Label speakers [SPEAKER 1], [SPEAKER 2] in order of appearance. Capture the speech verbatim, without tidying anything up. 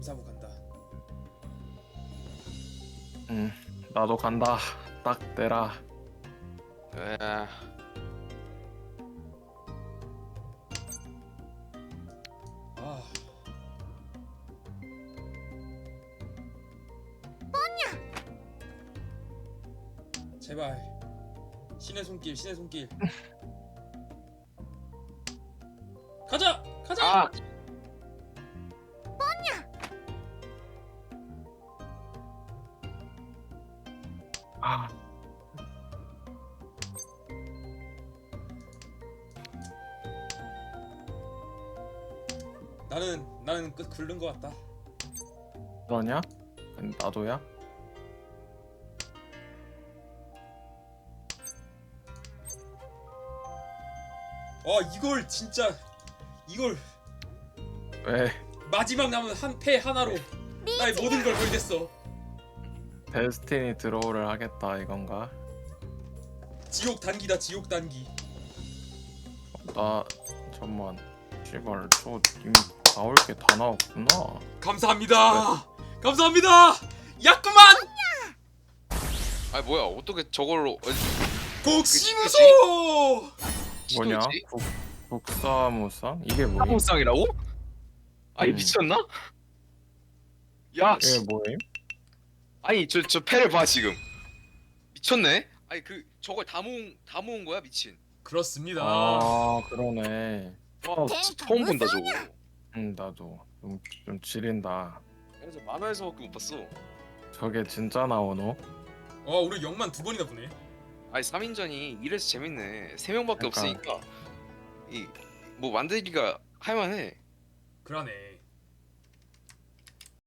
[SPEAKER 1] 사부 간다.
[SPEAKER 2] 응, 나도 간다. 딱 대라.
[SPEAKER 3] 에.
[SPEAKER 1] 아. 제발 신의 손길, 신의 손길. 가자, 가자.
[SPEAKER 3] 아.
[SPEAKER 2] 아,
[SPEAKER 1] 나는 나는 끝 굴른 것 같다.
[SPEAKER 2] 너냐? 나도야?
[SPEAKER 1] 와 이걸 진짜 이걸
[SPEAKER 2] 왜?
[SPEAKER 1] 마지막 남은 한 패 하나로 나의 모든 걸 걸겠어.
[SPEAKER 2] 데스티니 드로우를 하겠다 이건가?
[SPEAKER 1] 지옥 단기다, 지옥 단기.
[SPEAKER 2] 나 잠만. 씨발, 저 이미 나올 게 다 나왔구나.
[SPEAKER 1] 감사합니다. 감사합니다. 야구만.
[SPEAKER 3] 아 뭐야? 어떻게 저걸로? 어,
[SPEAKER 1] 복심무소.
[SPEAKER 2] 뭐냐?
[SPEAKER 3] 시도지?
[SPEAKER 2] 국 국사무상? 이게 뭐임?
[SPEAKER 3] 사무상이라고? 아니
[SPEAKER 2] 음.
[SPEAKER 3] 미쳤나? 야,
[SPEAKER 2] 이게
[SPEAKER 3] 씨.
[SPEAKER 2] 뭐임?
[SPEAKER 3] 아니 저 저 패를 봐 지금. 미쳤네? 아니 그 저걸 다 모은 다 모은 거야 미친.
[SPEAKER 1] 그렇습니다.
[SPEAKER 2] 아, 그러네.
[SPEAKER 3] 와 진짜 처음 본다 저거.
[SPEAKER 2] 응, 나도 좀, 좀 지린다.
[SPEAKER 3] 그래서 만화에서밖에 못 봤어.
[SPEAKER 2] 저게 진짜 나오노?
[SPEAKER 1] 와 우리 영만 두 번이나 보네.
[SPEAKER 3] 아니 삼 인전이 이래서 재밌네. 세 명밖에
[SPEAKER 2] 그러니까.
[SPEAKER 3] 없으니까 이 뭐 만들기가 할만해.
[SPEAKER 1] 그러네.